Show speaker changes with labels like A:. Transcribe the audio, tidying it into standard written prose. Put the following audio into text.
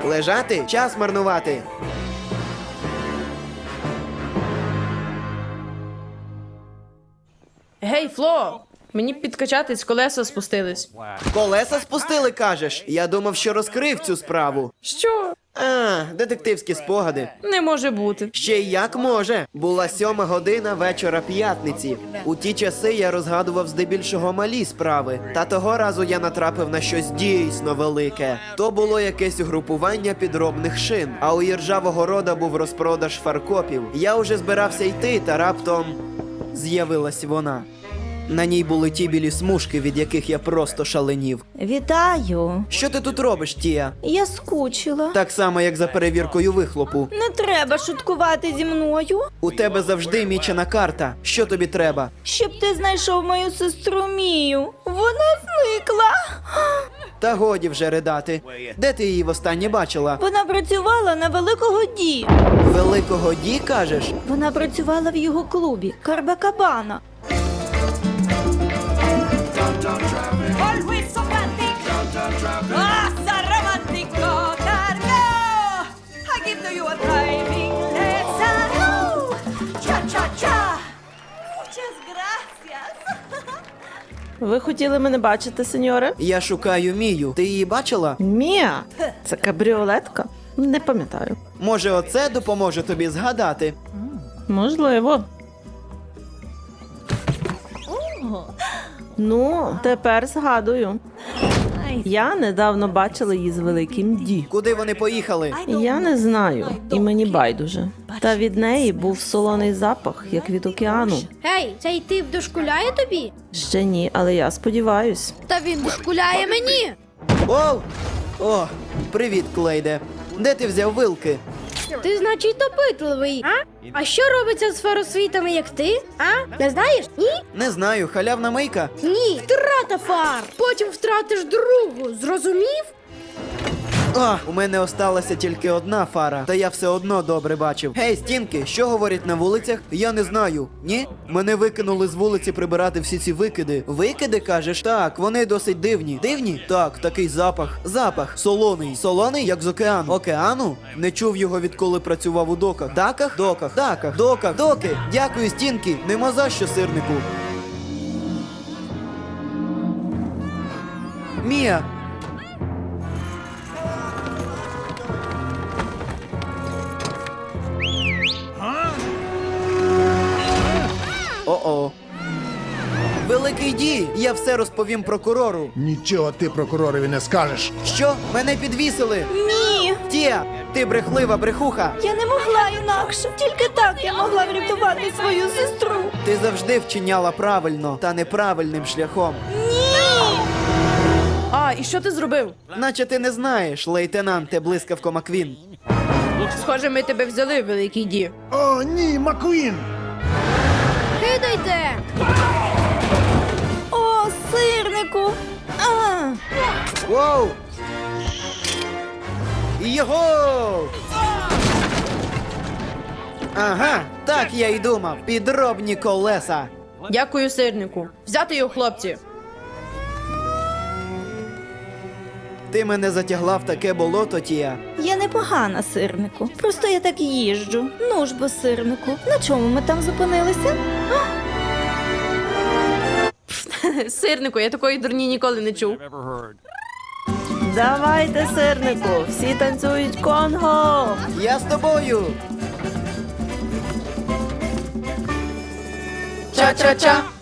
A: Лежати? Час марнувати.
B: Гей, Фло! Мені підкачатись, колеса спустились.
A: Колеса спустили, кажеш? Я думав, що розкрив цю справу.
B: Що?
A: Детективські спогади.
B: Не може бути.
A: Ще й як може. Була 7 година вечора п'ятниці. У ті часи я розгадував здебільшого малі справи. Та того разу я натрапив на щось дійсно велике. То було якесь угрупування підробних шин. А у Іржавого Рода був розпродаж фаркопів. Я уже збирався йти, та раптом з'явилась вона. На ній були ті білі смужки, від яких я просто шаленів.
C: Вітаю.
A: Що ти тут робиш, Тія?
C: Я скучила.
A: Так само, як за перевіркою вихлопу.
C: Не треба шуткувати зі мною,
A: У тебе завжди мічена карта. Що тобі треба?
C: щоб ти знайшов мою сестру Мію. Вона зникла.
A: Та годі вже ридати. Де ти її востаннє бачила?
C: Вона працювала на Великого Ді.
A: Великого Ді, кажеш?
C: Вона працювала в його клубі Карбакабана.
D: Always so frantic. Ah, so romantico. Cargo. I give to you a driving lesson. Cha cha cha. Muchas gracias.
E: Ви хотіли мене бачити, сеньоре?
A: Я шукаю Мію. Ти її бачила?
E: Мія? Це кабріолетка? Не пам'ятаю.
A: Може, оце допоможе тобі згадати?
E: Можливо. Ну, тепер згадую. Я недавно бачила її з Великим Ді.
A: Куди вони поїхали?
E: Я не знаю, і мені байдуже. Та від неї був солоний запах, як від океану.
F: Гей, цей тип дошкуляє тобі?
E: Ще ні, але я сподіваюсь.
F: Та він дошкуляє мені.
A: Оу! О, привіт, Клейде. Де ти взяв вилки?
F: Ти, значить, допитливий, а? А що робиться з фаросвітами, як ти? А? Не знаєш? Ні?
A: Не знаю, халявна мийка.
F: Ні. Втрата фар. Потім втратиш другу. Зрозумів?
A: У мене осталася тільки одна фара, та я все одно добре бачив. Гей, стінки, що говорять на вулицях? Я не знаю. Ні? Мене викинули з вулиці прибирати всі ці викиди. Викиди, кажеш? Так, вони досить дивні. Дивні? Так, такий запах. Запах. Солоний. Солоний, як з океану. Океану? Не чув його, відколи працював у доках. Даках? Доках. Даках. Доках. Доки. Дякую, стінки. Нема за що, сирнику. Мія. О-о. Великий Ді, я все розповім прокурору.
G: Нічого ти прокуророві не скажеш.
A: Що? Мене підвісили?
C: Ні,
A: Тія, ти брехлива брехуха.
C: я не могла інакше. Тільки так я могла врятувати свою сестру.
A: Ти завжди вчиняла правильно та неправильним шляхом.
B: А, і що ти зробив?
A: Наче ти не знаєш, лейтенанте Блискавко Маквін.
B: Схоже, ми тебе взяли, Великий Ді.
G: О, ні, Маквін!
F: Кидайте.
C: О, сирнику.
A: Воу! Його! Ага, так я й думав. Підробні колеса.
B: Дякую, сирнику. Взяти його, хлопці.
A: Ти мене затягла в таке болото, Тія.
C: Я непогана, сирнику. Просто я так їжджу. Ну ж бо, сирнику. На чому ми там зупинилися?
B: Сирнику, я такої дурні ніколи не чув.
E: Давайте, сирнику, всі танцюють конго!
A: Я з тобою. Ча-ча-ча.